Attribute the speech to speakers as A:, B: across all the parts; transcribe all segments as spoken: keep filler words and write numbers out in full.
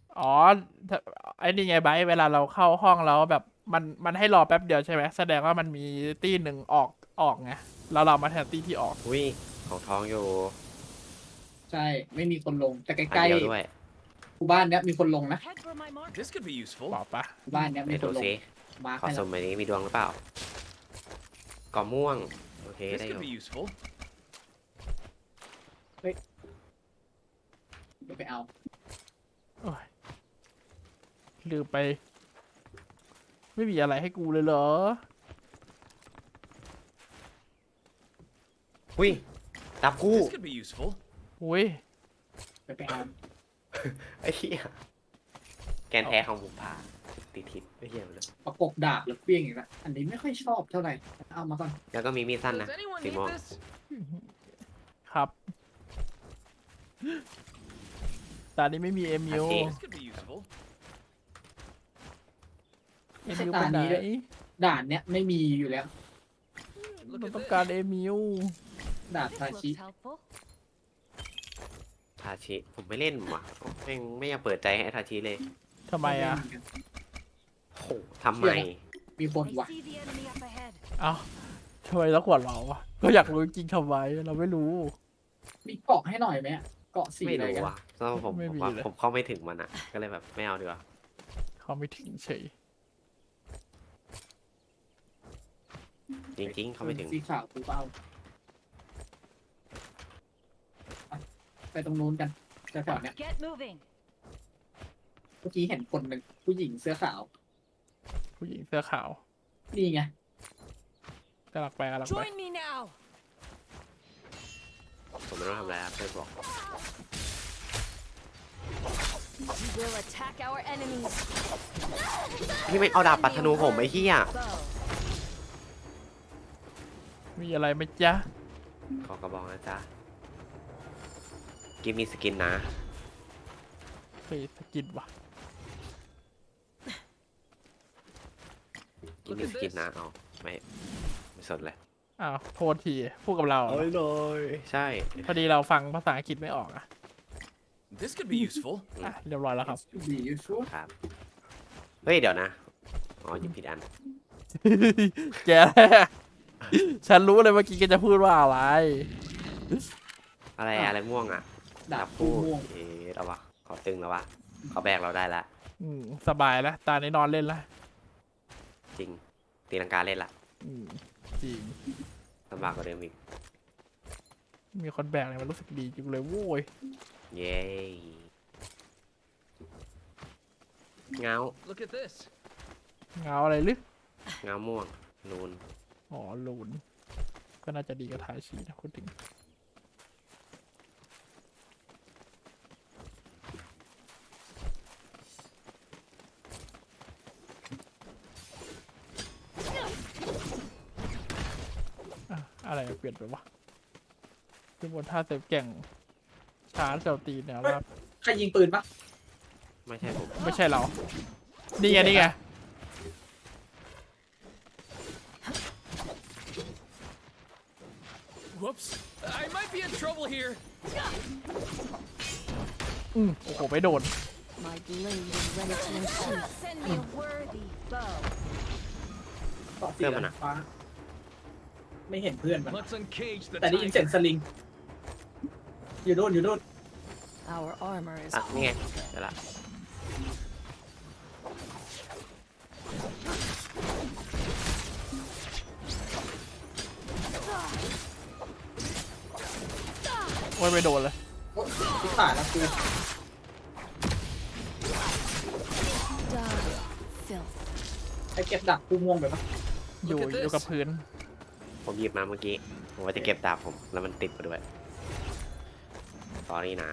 A: อ๋อถ้าไอ้นี่ไงไบร์ทเวลาเราเข้าห้องแล้วแบบมันมันให้รอแป๊บเดียวใช่ไหมแสดงว่ามันมีตี้หนึ่งออกออกไงแล้วเรามาแทนตี้ที่ออก
B: อุ้ยของท้องอยู่
C: ใช่ไม่มีคนลงแต่ใ
B: อั
C: กล้
B: นเดียวด้วย
C: ๆหมู่บ้านเนี้ยมีคนลงนะ
D: Head for my marker.
E: This could be useful.
A: บอกปะ
C: หมู่บ้านเนี้ย
B: ไป
C: มีค
B: ดู
C: นลง
B: ซิ
C: มาร์ค
B: ขอ
C: ให้
B: ส
C: แล้ว
B: มใบนี้มีดวงหรือเปล่าก่อม่วงโอเค
E: This
B: ได้อ
E: could
B: ยู่
E: be useful.
C: เดี๋ยวไปเอา
A: โอ้ยลืมไป ไม่มีอะไรให้กูเลยเหรอ
B: อุ้ยดับคู่
E: This could be useful.
A: อุ้ย
C: เดี๋ยวไปเอา
B: ไอ้เหี้ยแกนแท้ของบุมพาติดทิศไอ้เหี้ยเลย
C: ประกบดาบแล้วเปี้ยงอีกแล้วอันนี้ไม่ค่อยชอบเท่าไหร่เอามาก่อน
B: แล้วก็มีมีดสั้นนะ
E: Does anyone
B: สี
E: need
B: ม่วง
E: this?
A: ครับตอนนี้ไม่มีเอมิว
B: โอเค
E: This could be useful.
A: เอมิวไปไหน
C: ด่านเนี้ยไม่มีอยู่แล้ว
E: Look
A: เรา
E: at
A: ต้อง
E: this.
A: การเอมิว
C: ดาบ
D: This
C: ทาชิ
D: looks helpful.
B: ทาชิผมไม่เล่นว่ะไม่ไม่อยากเปิดใจให้ทาชิเลย
A: ทำไมอ่ะ
B: โหทำไม
C: มีคน
D: I
C: ว่ะ
D: see the enemy up ahead.
A: เอ้าทำไมต้องหัวเราอ่ะก็อยากรู้จริงๆทำไมเราไม่รู้
C: มีเกาะให้หน่อยไหมอะเกาะสี
B: ไม่
C: อะไร
B: รู้
C: กัน
B: ว่ะเพราะว่าผม
A: ไม่
B: ผม
A: มี
B: ว่า
A: เลย
B: ผมเข้าไม่ถึงมันอ่ะ ก็เลยแบบไม่เอาดีกว่า
A: เขาไม่ถึงเฉย
B: จริงๆ เข้าไม่ถึง
C: สีขาวกูเปล่าไปไปตรงนู้นกันแถวๆเนี้ย
D: Get moving.
C: เมื่อกี้เห็นคนหนึ่งผู้หญิงเสื้อขาว
A: ผู้หญิงเสื้อขาว
C: นี่ไง
A: กำลังไปกำลังไป
D: Join me now.
B: ผมไม่ต้องทำอะไรครับเพื่อนบอก
D: We will attack our enemies.
B: นี่ไม่เอาดาบปัดธนูผมไอ้เหี้ย
D: Bow.
A: มีอะไรไหมจ๊ะ
B: ขอกระบอกนะจ๊ะกิฟมีสกินนะ
A: เคยสกินวะ
B: กิฟมีสกินนะเอาไม่ไม่สนเลย
A: อ้าวโทษทีพูดกับเราเหรอ
B: เลยใช่
A: พอดีเราฟังภาษาอังกฤษไม่ออกอ่ะ
E: This could be useful.
A: อ่ะเรียบร้อยแล้วครับ
C: ดีอยู่ชัวร์
B: ครับ เฮ้ย เดี๋ยวนะ อ๋อหยิบผิดอัน
A: แก ฉันรู้เลยเมื่อกี้แกจะพูดว่าอะไร
B: อะไรอะไรม่วงอ่ะ
C: ดาบคู่ม่วง
B: เอ๊ะเราวะขอตึงแล้ววะเขาแบกเราได้ละ
A: อืมสบายแล้ว ตาในนอนเล่นละ
B: จริง ตีลังกาเล่นละ
A: อืมจริง
B: ลำบากกว่าเดิมอีก
A: มีคนแบกเลยมันรู้สึกดีจังเลยโว้ย
B: เย้เงา
E: Look at this.
A: เงาอะไรหรือ
B: เงาม่วง นูน
A: อ๋อลูน ก็น่าจะดีกับทายชีนะคุณถึง อะอะไรเปลี่ยนไปวะขึ้นบนท่าเซฟแก่งชาร์จเซลตีนเนี่ยว่า
C: ใครยิงปืนปะ
B: ไม่ใช่ผม
A: ไม่ใช่เรา นี่ไงนี่ไง
E: Whoops. I might be in trouble here.
A: อืมโอ้โหไม่โดน
D: My blade is ready to receive. Send me a worthy bow.
C: เกาะสีฟ้าไม่เห็นเพื่อนมัน
E: Let's uncage the
C: แต่ได้ยินเสียง
E: tiger.
C: สลิง อยู่นู่นอยู่นู่น
D: Our armor is
B: อ่ะ นี่ไงเดี๋ยวละ
A: โอ้ยไม่โดนเลย
C: โอ๊ยที่ขาดแล้วคือ
D: done. Filth.
C: ไอเก็บดักคู่ม่วงไปปะ
A: อยู่
E: Look at this
A: อยู่กับพื้น
B: ผมหยิบมาเมื่อกี้ ผมว่าจะเก็บดาบผม แล้วมันติดมาด้วยตอนนี้นะ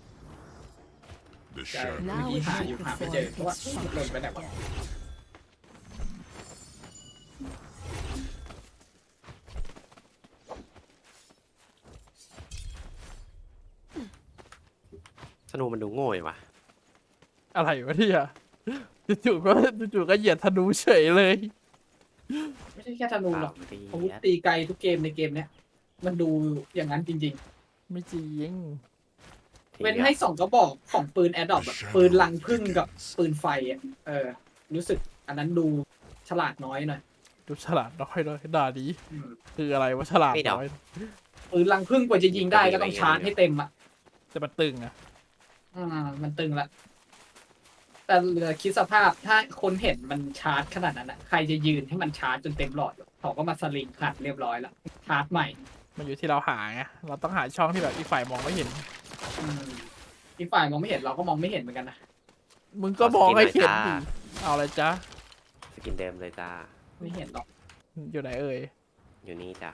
F: The
C: ใช่
F: shadow
C: เมื่อกี้หาอยู่หาไม่เจอเพราะว่ามันหล่นไปไหนวะ
B: ธนูมันดูโง่อยู่ว่ะ
A: อะไรวะเนี่ยจู่ๆก็จู่ๆก็เหยียดธนูเฉยเลย
C: ไม่ใช่แค่ธนูหรอก
B: เปล่าตี
C: อาวุธตีไกลทุกเกมในเกมเนี้ยมันดูอย่างนั้นจริง
A: ไม่จริง
B: เท
C: เว้นให้สองกระบอกของปืนแอดดอปปืนลังพึ่งกับปืนไฟอ่ะเออ รู้สึกอันนั้นดูฉลาดน้อยหน่อย
A: ดูฉลาดน้อยเลยด่าดี
C: อืม
A: คืออะไรวะฉลาดน้อย
C: ปืนลังพึ่งกว่าจะยิงได้ก็ต้องชาร์จให้เต็มอ่ะ
A: แต่มันตึงอะ
C: อืมมันตึงละแต่เหลือคิดสภาพถ้าคนเห็นมันชาร์จขนาดนั้นอ่ะใครจะยืนให้มันชาร์จจนเต็มหลอดเขาก็มาสลิงขัดเรียบร้อยแล้วชาร์จใหม่
A: มันอยู่ที่เราหาไงเราต้องหาช่องที่แบบอีกฝ่ายมองไม่เห็น
C: อืมอีกฝ่ายมองไม่เห็นเราก็มองไม่เห็นเหมือนกันนะ
A: มึงก็มองให้เห็นดิเอาอะไรจ๊ะ
B: สกินเดิมเลยจ้า
C: ไม่เห็นหรอก
A: อยู่ไหนเอ่ย
B: อยู่นี่จ้ะ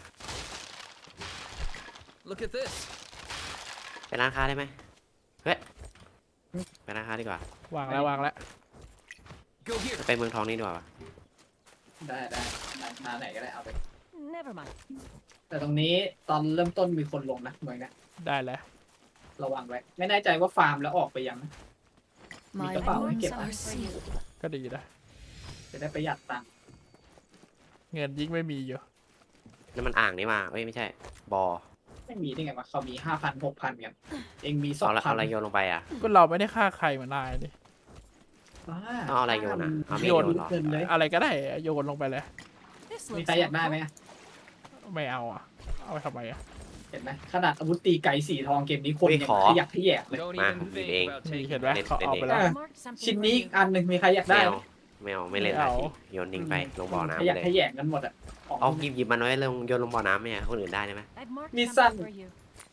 E: Look at this.
B: ไปร้านค้าได้ไหมเฮ้ยไปร้านค้าดีกว่า
A: วางแล้ววางแล้ว
E: Go here.
B: ไปเมืองทองนี่ดีกว่า
C: ได้ได้ได้มาไหนก็ได้เอาไป
D: Never mind.
C: แต่ตรงนี้ตอนเริ่มต้นมีคนลงนะเหมือนกัน
A: ได้แล้ว
C: ระวังไว้ ไม่แน่ใจว่าฟาร์มแล้วออกไปยังนะ มี
D: My
C: กระเป๋าให้
D: wounds
C: เก็บ
D: are sealed.
A: ก็ดีนะ
C: จะได้ประหยัดตังค์
A: เงินยิ่งไม่มีอยู่
B: นั่นมันอ่างนี่มาเอ้ยไม่ใช่ บอ
C: ไม่มีได้ไงวะเขามีห้าพันหกพันกัน เองมีสอ
B: เอา
C: ง
B: ละ
C: พั
B: เอา
C: น
B: อะไรโยนลงไปอ่ะ
A: ก็เราไม่ได้ฆ่าใครมานายนี่
B: เอาอะไรโยนอะเอาไม่
C: โย
B: โย
C: น
B: นหรอ
C: เงินเลย
A: อะไรก็ได้โยนลงไปเลย
D: This
C: มี
D: looks
C: ใครอยากได้ไหม
D: helpful.
C: อะ
A: ไม่เอาอ่ะ เอาไปทำไมอ่ะ
C: เห็นไหมขนาดอาวุธตีไกสีทองเกมนี้คนยังขยักขยแยกเลย
E: Don't
B: Ma,
E: even think
B: big.
E: about
A: นี่
E: taking
A: เห็นไหม
E: it.
A: เขาเอาไปแล้ว
C: เออ
D: Marked something
C: ชิ้น
D: for
C: นี้
D: you.
C: อีกอันหนึ่งมีใครอยาก
B: ไม่
C: ได้
B: เอาไม่เอาไม่เล่น
A: ไม่
B: ละ
A: เอา
B: ทีโยนทิ้งไปลงบ่อ
C: ข
B: น้ำไป
C: ยัก
B: เลย
C: ขยแยกกันหมดอ่ะของ
B: เอาหยิบหยิบมันไว้ลงโยนลงบ่อน้ำไหมอะคนอื่นได้ไหม
D: I've marked
C: Mi
D: something
C: san.
D: for you.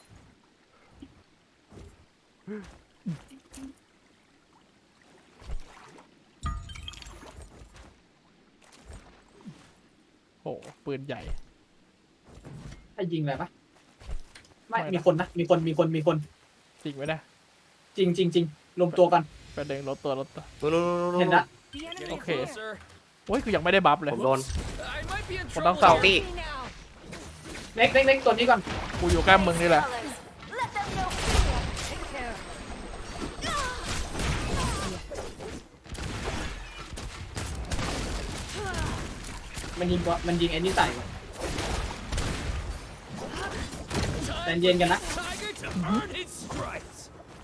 A: โอ้ปืนใหญ่
C: ให้ยิงอะไรปะไม่
A: ไม่นะ
C: มีคนนะมีคนมีคนมีคน
A: จริงไหมนะ
C: จริงจริงจริงรวมตัวกัน
A: ไปเดินรถตัวรถตัว
B: นู่นนู่นนู่นนู่น
C: เห็นละ
D: The enemy
E: Getting
A: Okay.
E: closer.
A: โอ้ยกูยังไม่ได้บัฟเลย
B: ผมโดน
E: I might be in
A: Hold on,
E: trouble
A: Sal.
E: here.
B: Đi.
D: Me now.
C: เล็กเล็กเล็กตัวนี้ก่อน
A: กูอยู่ใกล้มึงนี่แหละ
D: Let them know fear. Take care.
C: มันยิงว่ามันยิงไอ้นี่ใส่ว่ะ ใจ
E: Time
C: เย็นกันนะ
E: for Tiger to earn his stripes.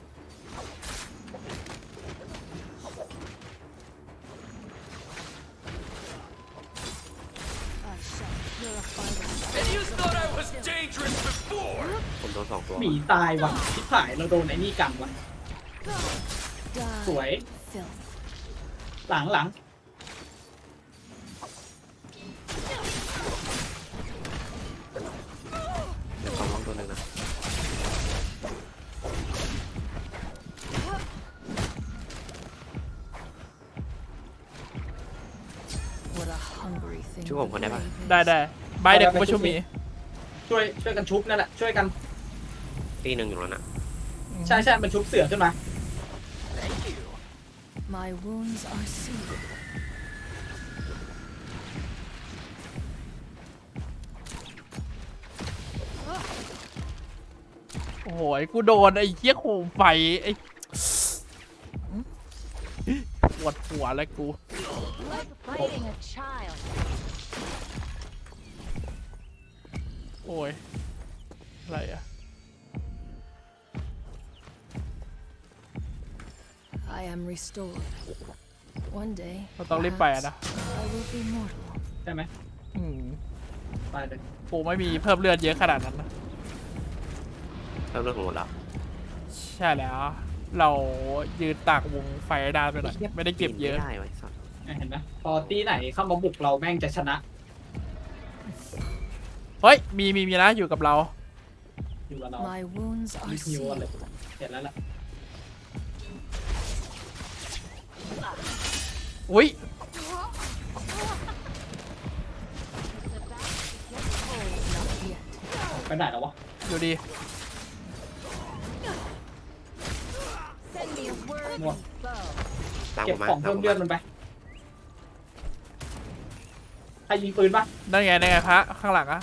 D: I shall purify them.
E: And you thought I was dangerous before.
B: ผมโดนสองตัว
C: หมีตายว่ะชิบหายเราโดนไอ้นี่กันว่ะ
D: Die.
C: สวย
D: Filth.
C: หลังหลัง
B: เดี๋ยวขอลองตัวหนึ่งนะ
D: What a hungry thing.
B: ช่วยผมคนได้ปะ
A: ได้ได้ใบเด็กกูประชุมหมี
C: ช่วยช่วยกันชุบนั่นแหละช่วยกัน
B: ตีหนึ่งอยู่แล้วน่ะ
C: ใช่ใช่มันชุบเสือขึ้นมา
E: Thank you.
D: My wounds are sealed.
A: โอ้โหกูโดนไอ้เหี้ยโคมไฟไอ้ปวดหัวเลยกู
D: Like fighting a child.
A: โอ้ย อะไรอ่ะ
D: I am restored. One day,
A: เราต้องรีบไปอะนะ
D: I will be mortal.
C: ใช่ไหม
A: อืม
C: ไปเลย
A: กูไม่มีเพิ่มเลือดเยอะขนาดนั้นนะ
B: เริ่มเรื่องของหมดแล้ว
A: ใช่แล้ว เรายืนตากวงไฟได้ไปหน่อยไม่ได้เก็บเยอะ
B: ไม่ได้ไว้สัตว์
C: เห็นไหมพอตีไหนเข้ามาบุกเราแม่งจะชนะ
A: เฮ้ย มีมีมีนะอยู่กับเรา
C: อยู่กับเรา
D: My wounds
C: รี
D: are
C: บฮิวเลย
D: sealed.
C: เห็นแล้วล่ะ
A: อุ้ย
D: Not yet.
C: ไปไหนแล้ววะ
A: อยู่ดี
D: Send me a worthy
C: Mua.
D: bow.
B: ตาม
C: เก็
B: ผ
C: บ
B: มมา
C: ของ
B: ตาม
C: เพิ่
B: ผม ม
C: เลือด
B: มา
C: มันไปใครยิงปืนปะ
A: นั่นไงนั่นไงพระข้างหลังอะ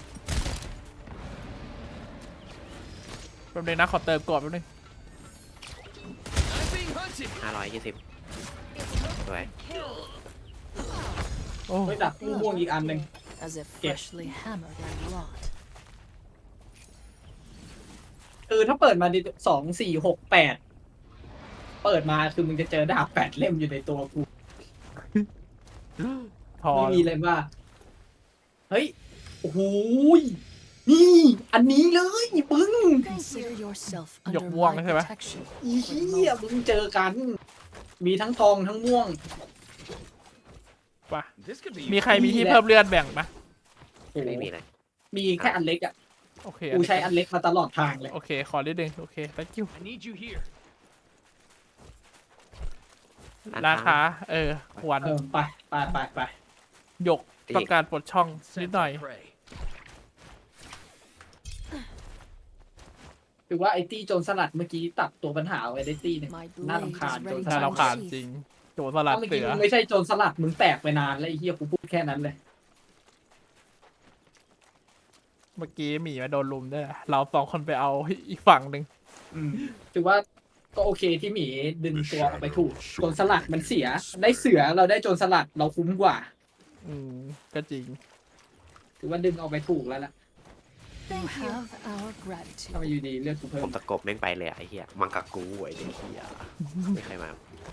A: แป๊บนึงนะขอเติมก่อนแป๊บนึง
E: I'm being hunted.
B: ห้าร้อยยี่สิบสวย
A: โอ้
C: เฮ้ยดักลูกม่วงอีกอันหนึ่ง
D: As if
C: Kìa.
D: freshly hammered and wrought.
C: คือถ้าเปิดมาในสองสี่หกแปดเปิดมาคือมึงจะเจอดาบแปดเล่มอยู่ในตัวกู
A: พอ
C: ไม่มีเลยว่า เฮ้ย โอ้โหยนี่ อันนี้เลยปึ้ง
D: Consider yourself
A: หย
D: under
A: กม่วง
D: my
A: ใช่ไหม
D: protection.
C: อีเหี้ยมึงเจอกัน มีทั้งทองทั้งม่วง
A: ปะ
E: This could be
A: มีใครมีที่เพิ่มเลือดแบ่งปะ
C: โอ้โห
B: ไม่มีเลย
C: มีแค่อันเล็กอ่ะ
A: โอเค
C: กูใช้อันเล็กมาตลอดทางเลย
A: โอเค ขอนิดนึงโอเค thank you
E: I need you here.
A: ราคา เออ ควร
C: เออ ไปไปไปไป
A: หยกต้องการปลดช่องนิดหน่อย
E: Sense of prey.
C: ถือว่าไอ้ตี้โจรสลัดเมื่อกี้ตัดตัวปัญหาไว้ได้ตี้หนึง
D: My
C: น่า
D: blade
C: รำคาญ
D: is
C: โจร
D: ready
C: ส
A: ถ้า
C: ลั
A: เรา
C: ด
A: ผ่านจริง โจรสลัด
C: เมื่อ
A: เสื
C: กี้
A: อ
C: มึงไม่ใช่โจรสลัดมึงแตกไปนานแล้วไอ้เหี้ยกูพูดแค่นั้นเลย
A: เมื่อกี้หมีมาโดนลุมด้วยนะเราสองคนไปเอาอีกฝั่งหนึ่ง
C: อืมถือว่าก็โอเคที่หมีดึงตัวออกไปถูกโจรสลัดมันเสีย ได้เสือเราได้โจรสลัดเราคุ้มกว่า
A: อืม ก็จริง
C: ถือว่าดึงออกไปถูกแล้วล่ะ
D: You have our gratitude.
C: ถ้ามาอยู่ดีเลือดกูเพิ่
B: ผม มตะกบแม่งไปเลยอะไอ้เหี้ยมังกรกูไอ้เด็กเหี้ยไม่ใครมา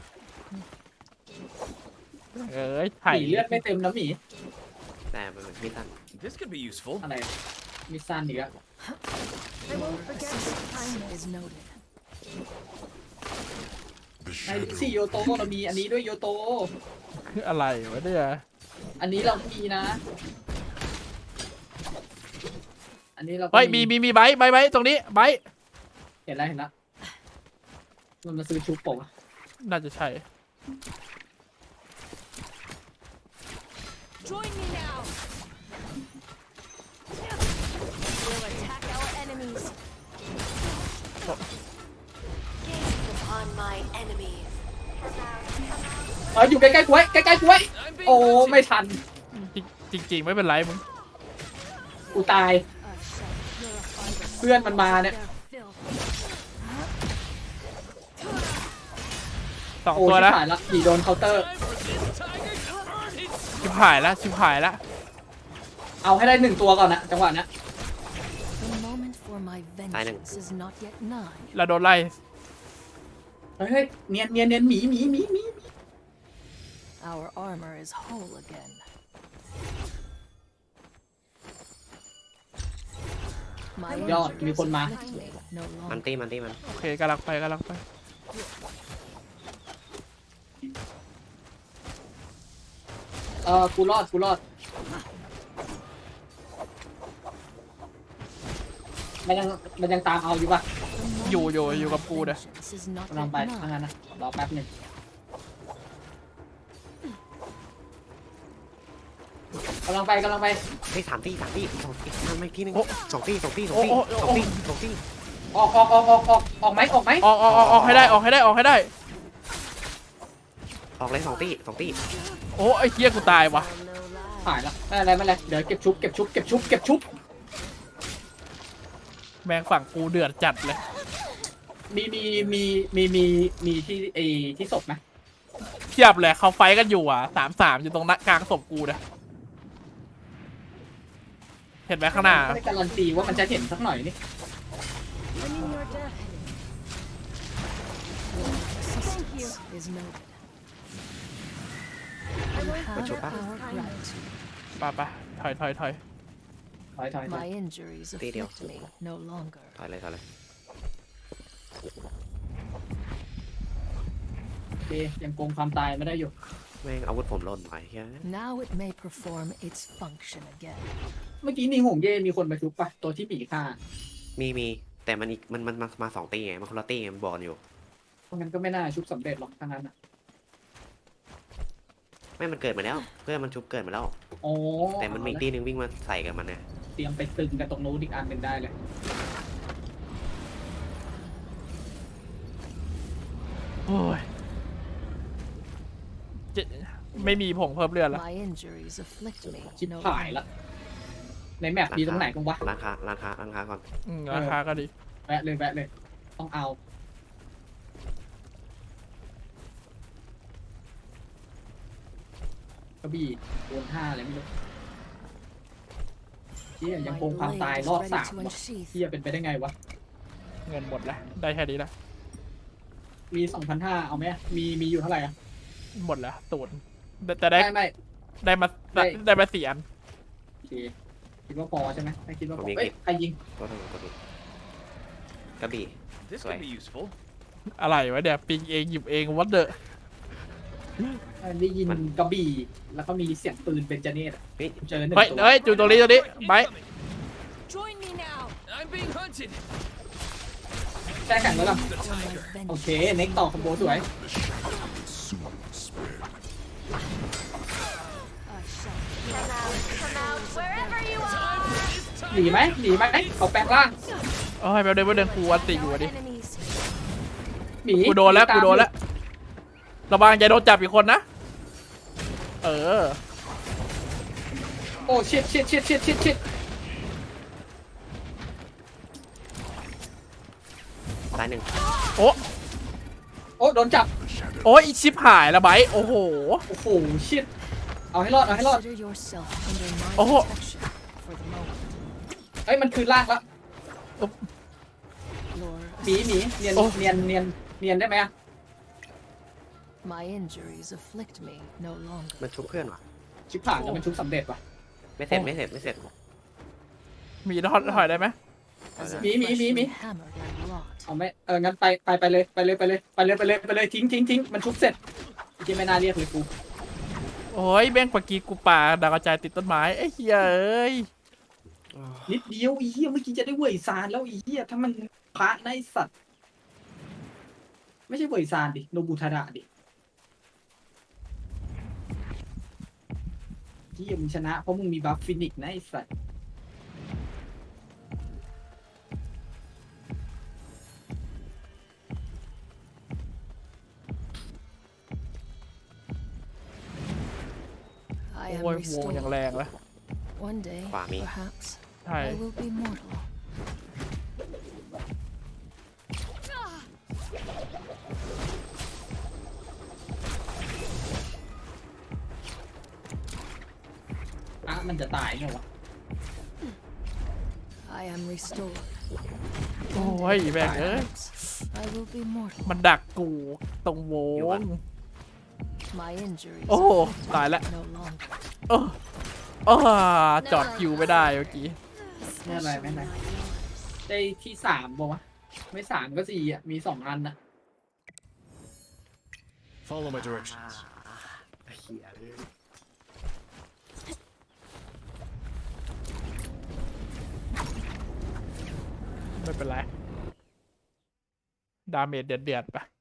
A: เอ้ย
C: ห
A: ไถ่
C: มีเลือดไม่เต็มนะหมี
B: แต่มันเป็นไม่ทัน
E: This could be useful.
C: อะไรมีสั้นอีกอะ
D: I won't forget your kindness. Is noted.
C: ไอ้สี่โยโตเรามีอันนี้ด้วยโยโต
A: อะไรวะเนี่ย
C: อันนี้เรามีนะ อันนี้เราก็
A: เฮ้ย มี มี มีไบค์ไบค์ไบค์ตรงนี้ ไบค์
C: เห็นแล้วเห็นแล้วมันมาซื้อชุบปะวะ
A: น่าจะใช่
D: Join me now. We'll attack our enemies. Gaze upon my enemies.
C: เอออยู่ใกล้ๆกูไว้ใกล้ๆกูไว้
E: I'm being
C: โอ้
E: hunted.
C: ไม่ทัน
A: จริงจริง ๆ ไม่เป็นไรมึง
C: กูตาย
D: I shall purify the
C: เพื่อนมันมาเนี่ย
D: their filth.
A: สอง
C: โอ้
A: ตัว
C: ชิบ
A: แล้ว
C: หายละหนีโดนเคาน์เตอร์
E: Time for this tiger to earn his
A: ชิบหายแล้ว ชิบหายแล้ว
C: เอาให้ได้หนึ่งตัวก่อนนะจังหวะเนี้ย
D: The moment for my vengeance is not yet nigh.
A: เราโดนไล่
C: เฮ้ยเนียนเนียนเนียนหมีหมีหมีหมี
D: Our armor is whole again. My
C: ยอดมีคนมา
D: afflict me no
B: มัน
D: longer.
B: ตี้มันตี้มัน
A: โอเคกำลังไปกำลังไป
C: เออกูรอดกูรอดมันยังมันยังตามเอาอยู่ปะ
D: The
A: อยู่
D: moment
A: อยู่
D: for
A: อยู่
D: my
A: กับกูเนี่ย
D: vengeance is not
C: กำลัง
D: yet
C: ไปทางนั้น
D: nigh.
C: นะรอแป๊บหนึ่งกำลังไปกำลังไป
B: เฮ้ยสามตี้สามตี้สองตี้ทำไม่ที่หนึง
A: โอ้
B: สองตี้สองตี้สอง
A: โอ้
B: ตี้
A: โอ้
B: สอง
A: โอ้
B: ตี้สองตี้
C: ออกออกออกออกออกออกไหมออกไหม
A: ออกออกออกออกให้ได้ ออกให้ได้ ออกให้ได้
B: ออกเลยสองตี้สองตี้
A: โอ้ไอ้เหี้ยกูตายวะ
C: หายละไม่อะไรไม่อะไรเดี๋ยวเก็บชุบเก็บชุบเก็บชุบเก็บชุบ
A: แมงฝั่งกูเดือดจัดเลย
C: มีมีมีมีมีมีที่ไอที่ศพไหม
A: เทียบเลยเขาไฟท์กันอยู่อ่ะสามสามอยู่ตรงหน้ากลางศพกูนะเห็นไหมข้างหน้า
C: ไม่ได้การันตีว่ามันจะเห็นสักหน่อยนี่
D: And in your death. Thank you. Is noted. You have our gratitude.
A: ไปไปถอยถอยถอย
C: ถอยถอยถอย
D: My injuries afflict me no longer.
B: ถอยเลยถอยเลย
C: โอเคยังโกงความตายไม่ได้อยู่
B: แม่งอาวุธผมหล่นไปเฮ้ย
D: Now it may perform its function again.
C: เมื่อกี้นี่หงเย่มีคนมาชุบปะตัวที่หมีฆ่า
B: มีมีแต่มันอีกมันมันมามาสองตี้ไงมันคนละตี้ไงมันบอกกันอยู่
C: เพราะงั้นก็ไม่น่าชุบสำเร็จหรอกทั้งนั้นอ่ะ
B: ไม่มันเกิดมาแล้ว เพื่อนมันชุบเกิดมาแล้ว
C: โอ้
B: แต่มันมีอีกตี้หนึงวิ่งมาใส่กับมันเนี่ย
C: เตรียมไปตึงกันตรงนู้นอีกอันหนึ่งได้เลย
A: โอ้ยเจ็ดไม่มีผงเพิ่มเลือดแล้ว
D: My injuries afflict me
C: ชิบ
D: no
C: หายละ
D: longer.
C: ในแมปมีตรงไหนกันวะ
B: ร้านค้าร้านค้าร้านค้าก่อน
A: อืมราคาก็ดี
C: แวะเลยแวะเลย ต้องเอากระบี่โดนห้าอะไรไม่รู้ที่ยัง
D: My
C: โกงความ
D: blade
C: ตาย
D: is
C: รอบ
D: ready
C: สาม
D: to
C: วะ
D: unsheath.
C: ที่จะเป็นไปได้ไงวะ
A: เงินหมดแล้วได้แค่นี้ละ
C: มีสองพันห้าเอาไหมมีมีอยู่เท่าไหร่อะ
A: หมดแล้วตูนแต่แต่ได้
C: ไม่ไม่
A: ได้มา
C: ได้
A: ได้มาสี่อัน
C: โอเคคิดว่าพอใช่ไหมไม่คิดว่าพ
B: ผม
C: อ
B: มี
C: เอ้ยใครยิง
B: ก็ถูกก็ถูกกระบี่
E: This
B: Sorry.
E: could be useful.
A: อะไรวะเนี่ยปิงเองหยิบเองวัดเดอะ
C: ได้ยินกระบี่แล้วก็มีเสียงปืนเป็นจเนตอะ
B: เฮ้ย
C: เจอหนึ่ง
A: เฮ้ย
C: ตัว
A: เฮ้ยอยู่ตรงนี้ตรงนี้ไบร์ท
D: Join me now.
E: I'm being hunted.
C: แช่แข็งแล้วล่ะ
E: The tiger.
C: โอเคเน็กต่อคอมโบสวย
D: I shall come out, come out wherever you
E: Time
D: are.
E: for this
C: หนี
E: tiger.
C: ไหมหนีไหมเขาแปลงร่าง
A: โอ้ยแป๊บเดียวแป๊บเดียวกูอันติอยู่
D: No
A: อะดิ
D: enemies.
C: หนี
A: กูโดนแล้ว
C: ตาม
A: กูโดนแล้วระวังอย่าโดนจับอีกคนนะเออ
C: โอ้ชิดชิดชิดชิดชิดชิด
B: ตายหนึ่ง
A: โอ้
C: โอ้โดนจับ
A: โอ้ยอีชิบหายแล้วไบร์ทโอ้โห
C: โอ้โหชิดเอาให้รอดเอาให้รอด
D: Consider yourself under my
A: Oh.
D: protection for the moment.
C: เอ้ยมันคือร่างแล้ว
D: Your
C: หมีหมีเนียน
A: โอ้
C: เนียนเนียนเนียนได้ไหมอะ
D: my injuries afflict me no longer.
B: มันชุบเพื่อนว่ะ
C: ชิบผ่านแล้วมันชุบสำเร็จว่ะ
B: ไม่เสร็จไม่เสร็จไม่เสร็จ
A: มีทอดถอยได้ไหม
D: As if
C: Me, me, me,
D: freshly
C: me.
D: hammered and wrought.
C: เอาไหมเอองั้นไปไปไปเลยไปเลยไปเลยไปเลยไปเลยไปเลยทิ้งทิ้งทิ้งมันชุบเสร็จที่ไม่น่าเรียกเลยกู
A: โอ้ยแม่งปากกีกูป่าดาวกระจายติดต้นไม้ไอ้เหี้ยเอ้ย
C: นิดเดียวไอีเหี้ยเมื่อกี้จะได้เว่ยซานแล้วไอีเหี้ยถ้ามันพระในสัตว์ ไม่ใช่เว่ยซานดิโนบุทาระดิเหี้ยมึงชนะเพราะมึงมีบัฟฟินิกส์นะไอ้สัตว์
D: I
A: โอ้
D: am
A: ยวงอย่าง
D: restored.
A: แรงแล้ว
D: One day,
B: Quả mi.
D: perhaps,
A: ใช่
D: I will be mortal.
C: อ่ะมันจะตายไงวะ
D: I am restored.
A: โอ้ยแม่งเอ้ย
D: Perhaps, I will be mortal.
A: มันดักกูตรงวง
D: My injuries
A: โอ้โห
D: afflict
A: ตายแล้ว
D: me no longer.
A: เออเออจอดคิวไม่ได้เมื่อกี้
C: ไม่เป็นไรไม่เป็นไร ได้ที่สามบอกวะไม่สามก็สี่อ่ะ มีสองอันนะ
E: Follow my directions.
B: เหี้ย
A: ไม่เป็นไร ดาเมจเดือดๆไป